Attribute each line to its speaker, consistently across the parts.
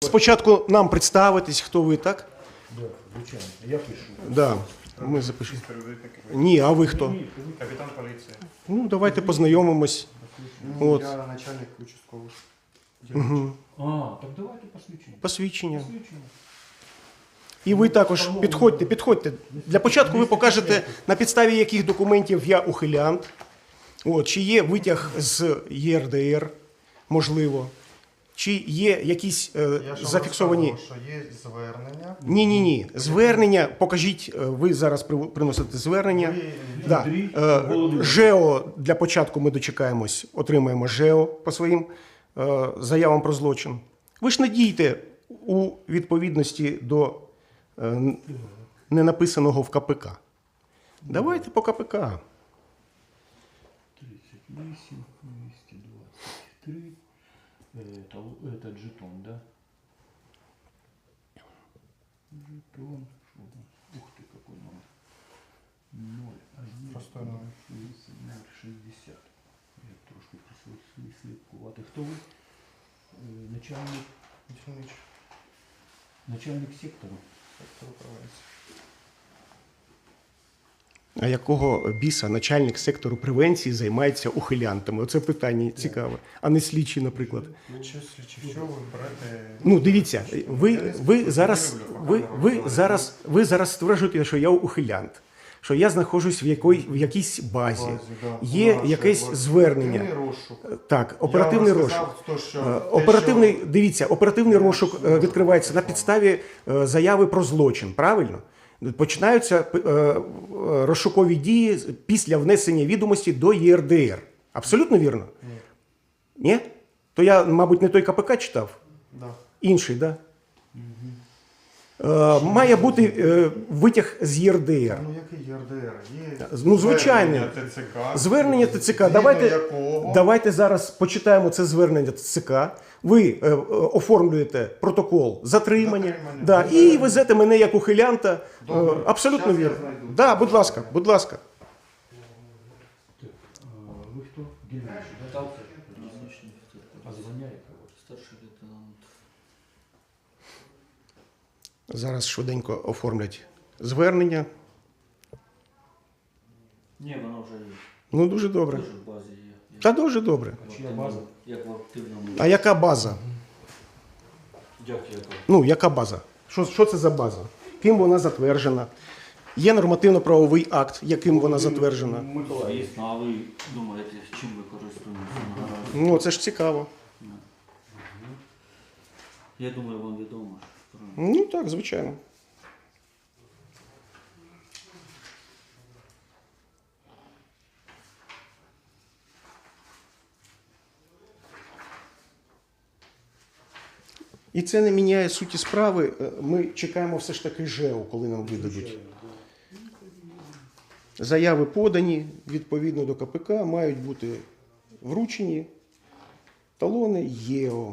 Speaker 1: спочатку нам представитись, хто ви, так?
Speaker 2: Да, звичайно. Я пишу.
Speaker 1: Да. Ми запишемо. Ні, а ви хто?
Speaker 3: Капітан поліції.
Speaker 1: Ну, давайте познайомимось. От.
Speaker 3: Я начальник участкового.
Speaker 1: Угу.
Speaker 2: А, так давайте посвідчення.
Speaker 1: Посвідчення.
Speaker 2: Посвідчення.
Speaker 1: І ви також підходьте. Для початку ви покажете, на підставі яких документів я ухилянт. От, чи є витяг з ЄРДР, можливо. Чи є якісь зафіксовані...
Speaker 3: Що є звернення.
Speaker 1: Ні. Звернення, покажіть, ви зараз приносите звернення. Да. ЖЕО, для початку ми дочекаємось, отримаємо ЖЕО по своїм заявам про злочин. Ви ж не дійте у відповідності до ненаписаного в КПК. Давайте по КПК.
Speaker 2: 38, 223. Это жетон, да? Жетон. Ух ты, какой номер. 0, 1,
Speaker 3: Простой номер.
Speaker 2: 060. Я трошки слідкувати. Хто ви? Начальник сектору.
Speaker 1: А якого біса начальник сектору превенції займається ухилянтами? Оце питання цікаве. А не слідчий, наприклад.
Speaker 3: Що ви берете?
Speaker 1: Ну, дивіться, ви зараз стверджуєте, що я ухилянт, що я знаходжусь в якійсь базі. Є якесь звернення. Так, оперативний розшук. Оперативний розшук відкривається на підставі заяви про злочин, правильно? Починаються розшукові дії після внесення відомості до ЄРДР. Абсолютно вірно? Ні? То я, мабуть, не той КПК читав?
Speaker 3: Да.
Speaker 1: Інший, так? Да? Має бути витяг з ЄРДР.
Speaker 3: Ну, який ЄРДР? Є
Speaker 1: Ну, звичайно. Звернення ТЦК. Давайте зараз почитаємо це звернення ТЦК. Ви оформлюєте протокол затримання. Да, і везете мене як ухилянта. Абсолютно вірно. Да, будь ласка, будь ласка.
Speaker 2: Ви хто? Генеральний, да? А звання яке?
Speaker 4: Старший лейтенант.
Speaker 1: Зараз швиденько оформлять звернення.
Speaker 4: Ні, воно вже є.
Speaker 1: Ну, дуже добре.
Speaker 4: Дуже в базі є.
Speaker 1: Та дуже добре.
Speaker 2: Чия база?
Speaker 4: Як в активному.
Speaker 1: А яка база?
Speaker 4: Як яка?
Speaker 1: Ну, яка база? Що це за база? Ким вона затверджена? Є нормативно-правовий акт, яким вона затверджена?
Speaker 4: Звісно, а ви думаєте, чим ви користуєтеся наразі?
Speaker 1: Ну, це ж цікаво.
Speaker 4: Я думаю, вам відомо.
Speaker 1: Ну, так, звичайно. І це не міняє суті справи. Ми чекаємо все ж таки ЖЕО, коли нам видадуть. Заяви подані відповідно до КПК, мають бути вручені талони ЄО.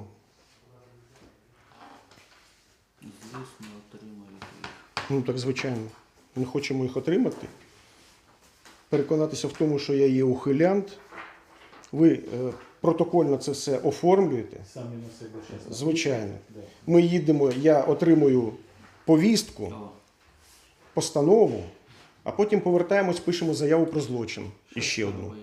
Speaker 4: Звісно, отримаєте їх.
Speaker 1: Ну так, звичайно. Ми хочемо їх отримати. Переконатися в тому, що я є ухилянт. Ви протокольно це все оформлюєте.
Speaker 2: Самі на себе зараз.
Speaker 1: Звичайно. Ми їдемо, я отримую повістку, постанову, а потім повертаємось, пишемо заяву про злочин. І ще одну.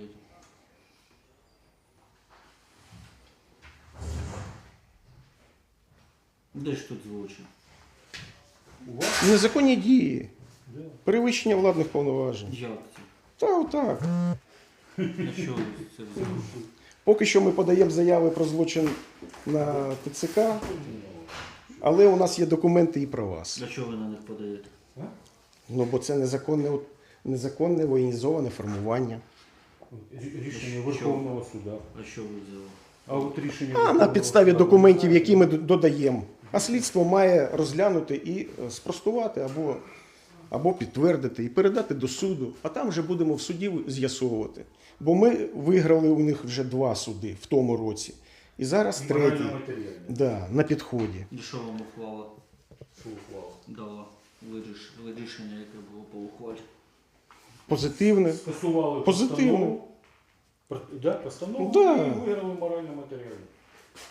Speaker 4: Де ж тут злочин?
Speaker 1: Незаконні дії. Перевищення владних повноважень.
Speaker 4: Як це?
Speaker 1: Та отак.
Speaker 4: На що ви це взяли?
Speaker 1: Поки що ми подаємо заяви про злочин на ТЦК, але у нас є документи і про вас.
Speaker 4: А що ви на них подаєте?
Speaker 1: Ну, бо це незаконне воєнізоване формування.
Speaker 2: Рішення Верховного суду.
Speaker 4: А що ви взяли?
Speaker 2: А от рішення
Speaker 1: А на
Speaker 2: Верховного
Speaker 1: підставі
Speaker 2: Суду
Speaker 1: документів, які ми додаємо. А слідство має розглянути і спростувати або підтвердити, і передати до суду. А там вже будемо в суді з'ясовувати. Бо ми виграли у них вже 2 суди в тому році. І зараз 3-й.
Speaker 2: морально-матеріальне.
Speaker 1: Да, на підході.
Speaker 4: І що вам ухвала
Speaker 2: Що ухвала?
Speaker 4: дала? Рішення, яке було по ухвалі?
Speaker 1: Позитивне.
Speaker 2: Скасували
Speaker 1: Позитивно.
Speaker 2: постанову. Да, постанову
Speaker 1: Да.
Speaker 2: і виграли морально-матеріальне.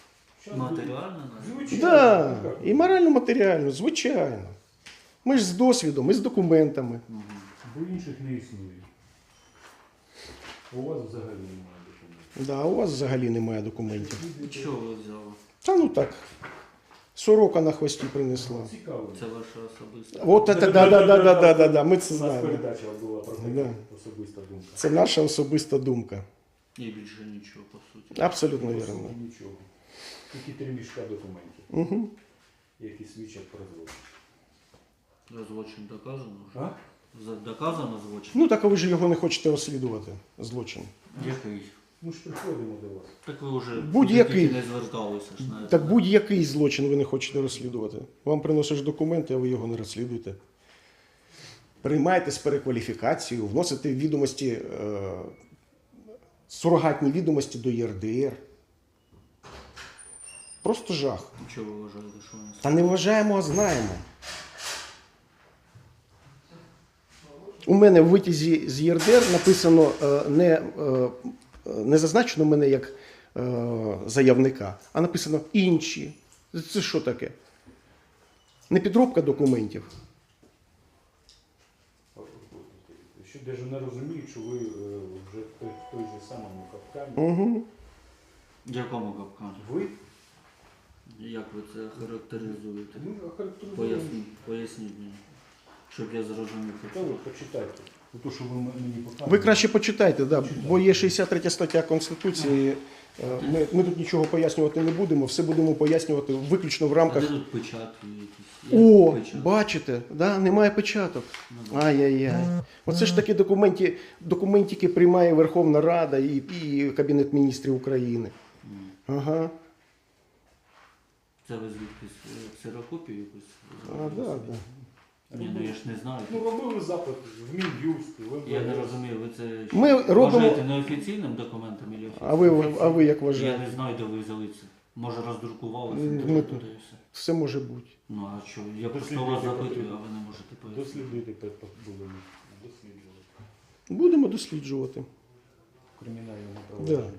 Speaker 4: Матеріально навіть?
Speaker 5: Звичайно.
Speaker 1: Да,
Speaker 5: Ну, як?
Speaker 1: і морально-матеріально, звичайно. Ми ж з досвідом, ми з документами.
Speaker 4: Мгм.
Speaker 5: Бо інших не існує. У вас взагалі немає документів.
Speaker 1: Да, у вас взагалі немає документів.
Speaker 4: Чого ви взяли?
Speaker 1: Та ну так. Сорока на хвості принесла.
Speaker 5: Цікаво.
Speaker 4: Це ваша особиста.
Speaker 1: От це, да, ми це
Speaker 5: У нас
Speaker 1: знаємо.
Speaker 5: передача була про таке,
Speaker 1: Да.
Speaker 5: особиста думка.
Speaker 1: Це наша особиста думка.
Speaker 4: І більше нічого, по суті.
Speaker 1: Абсолютно
Speaker 5: По
Speaker 1: вірно.
Speaker 5: суті, нічого. Тільки 3 мішка документів,
Speaker 1: Угу.
Speaker 5: які свідчать про злочин.
Speaker 4: За злочин доказано вже?
Speaker 5: А?
Speaker 4: Доказано злочин?
Speaker 1: Ну так а ви ж його не хочете розслідувати, злочин.
Speaker 4: Який?
Speaker 5: Ми ж приходимо до вас.
Speaker 4: Так ви вже
Speaker 1: Будь-який.
Speaker 4: тільки не зверталися ж на
Speaker 1: Так будь-який злочин ви не хочете розслідувати. Вам приносиш документи, а ви його не розслідуєте. Приймаєте з перекваліфікацією, вносите відомості, сурогатні відомості до ЄРДР. Просто жах.
Speaker 4: Чого ви вважаєте, що вони
Speaker 1: Та не вважаємо, а знаємо. У мене в витязі з ЄРДР написано не зазначено мене як заявника, а написано інші. Це що таке? Не підробка документів.
Speaker 5: Що навіть не розуміють, що ви вже в той же самому капкані.
Speaker 1: Угу.
Speaker 4: В якому капкані?
Speaker 5: Ви?
Speaker 4: Як ви це характеризуєте?
Speaker 5: Ми охарактеризуємо.
Speaker 4: Поясніть мені, щоб я зрозумів.
Speaker 5: Та ви почитайте. То, що ви мені показуєте.
Speaker 1: Ви краще почитайте, да, бо є 63 стаття Конституції. Ми тут нічого пояснювати не будемо, все будемо пояснювати виключно в
Speaker 4: А де
Speaker 1: рамках.
Speaker 4: тут печатки якісь? Є
Speaker 1: О,
Speaker 4: печатки?
Speaker 1: бачите, да, немає печаток.
Speaker 4: Ну, да.
Speaker 1: Ай-яй-яй. Оце ж такі документики приймає Верховна Рада і Кабінет міністрів України.
Speaker 4: М.
Speaker 1: Ага.
Speaker 4: Це ви звідкись ксерокопію якусь?
Speaker 1: А, да, да.
Speaker 4: Ні, ну я ж не знаю.
Speaker 5: Ну, робили запит в Мін'юст, в
Speaker 4: Я не
Speaker 5: МВС.
Speaker 4: розумію, ви це що,
Speaker 1: Ми робимо-
Speaker 4: вважаєте неофіційним документом чи
Speaker 1: А ви як
Speaker 4: Я
Speaker 1: вважаєте?
Speaker 4: не знаю, де ви взяли це. Може роздрукувалися,
Speaker 1: Ми
Speaker 4: туди
Speaker 1: тут.
Speaker 4: і все.
Speaker 1: Все може бути.
Speaker 4: Ну а що, я просто
Speaker 5: Дослідуйте
Speaker 4: вас запитую,
Speaker 5: потрібно.
Speaker 4: а ви не можете пояснити.
Speaker 5: Дослідуйте будемо. Досліджувати.
Speaker 1: Будемо досліджувати.
Speaker 5: В кримінальному
Speaker 1: Да.
Speaker 5: провадженні.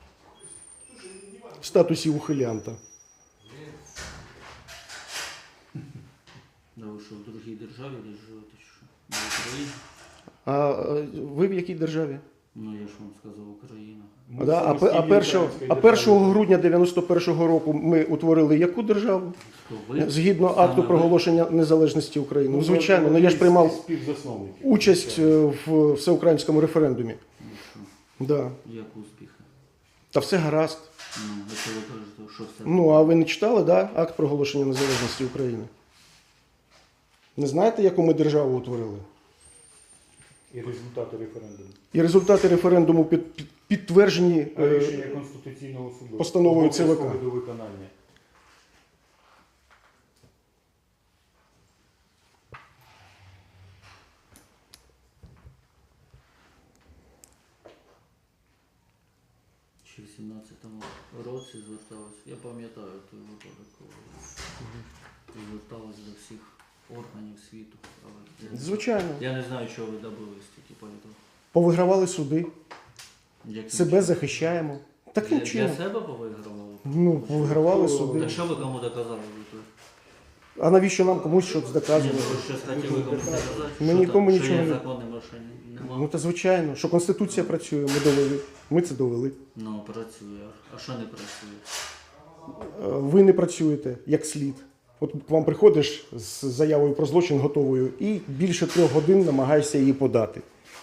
Speaker 1: В статусі ухилянта.
Speaker 4: Да ви що, в другій державі десь живете, чи що? Не в Україні?
Speaker 1: А ви в якій державі?
Speaker 4: Ну я ж вам сказав, Україна.
Speaker 5: Ми
Speaker 1: Да, а
Speaker 5: самостійні українські
Speaker 1: 1
Speaker 5: держави.
Speaker 1: грудня 91-го року ми утворили яку державу?
Speaker 4: Хто ви?
Speaker 1: Згідно
Speaker 4: Саме
Speaker 1: акту
Speaker 4: ви?
Speaker 1: проголошення незалежності України. Ну, звичайно,
Speaker 5: ви
Speaker 1: ну я ж приймав
Speaker 5: співзасновників.
Speaker 1: участь в всеукраїнському референдумі.
Speaker 4: Ну що,
Speaker 1: Да.
Speaker 4: як успіхи?
Speaker 1: Та все гаразд.
Speaker 4: Ну, якщо ви кажете, що все.
Speaker 1: Ну, а ви не читали, да, акт проголошення незалежності України? Не знаєте, яку ми державу утворили?
Speaker 5: І результати референдуму.
Speaker 1: І результати референдуму підтверджені.
Speaker 5: А рішення Конституційного суду.
Speaker 1: постановою ЦВК.
Speaker 5: Обов'язкове до виконання.
Speaker 4: Чи в 17-му році зверталась, я пам'ятаю той випадок, коли зверталась до всіх органів світу. Але я не-
Speaker 1: Звичайно.
Speaker 4: Я не знаю, чого ви добились тільки по цьому.
Speaker 1: Повигравали суди,
Speaker 4: Яким
Speaker 1: себе
Speaker 4: чином?
Speaker 1: захищаємо. Таким
Speaker 4: Для
Speaker 1: чином.
Speaker 4: себе повигравали?
Speaker 1: Ну, повигравали
Speaker 5: Хто-
Speaker 1: суди.
Speaker 4: Так що ви кому доказали?
Speaker 1: А навіщо нам комусь щось
Speaker 4: Ні,
Speaker 1: доказувати?
Speaker 4: ну ви щось хотіли комусь доказати?
Speaker 1: Ми
Speaker 4: Що
Speaker 1: нікому
Speaker 4: там?
Speaker 1: нічого
Speaker 4: Що
Speaker 1: не-
Speaker 4: є законним, а що нема?
Speaker 1: Ну, та звичайно, що Конституція працює, ми довели. Ми це довели.
Speaker 4: Ну, працює. А що не працює?
Speaker 1: Ви не працюєте як слід. От к вам приходиш з заявою про злочин готовою і більше 3 годин намагаєшся її подати.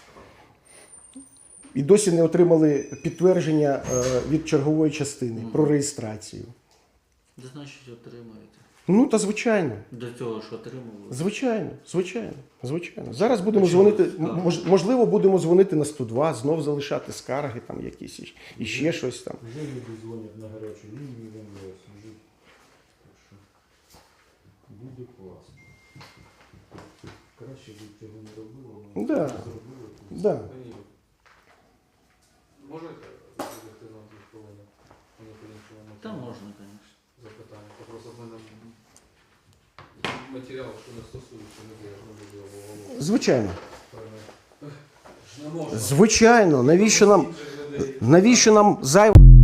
Speaker 1: І досі не отримали підтвердження від чергової частини про реєстрацію.
Speaker 4: Де значить отримаєте?
Speaker 1: Ну, та звичайно.
Speaker 4: До цього ж отримували.
Speaker 1: Звичайно, звичайно, звичайно. Зараз будемо дзвонити, можливо, будемо дзвонити на 102, знов залишати скарги там якісь і ще щось там.
Speaker 5: Вже люди дзвонять на гарячу лінію в МВС. Вже. Так що буде класно. Краще б цього не робило, але
Speaker 1: Да.
Speaker 5: зробили.
Speaker 1: Да.
Speaker 6: Можете зробити нам 2 хвилини? Мені по-іншому
Speaker 4: Та можна, звісно.
Speaker 6: запитання. Просто в мене матеріал, що не стосується людей, я ж не буду його голову.
Speaker 1: Звичайно.
Speaker 6: Не можна.
Speaker 1: Звичайно, навіщо нам
Speaker 6: Інших людей.
Speaker 1: зайво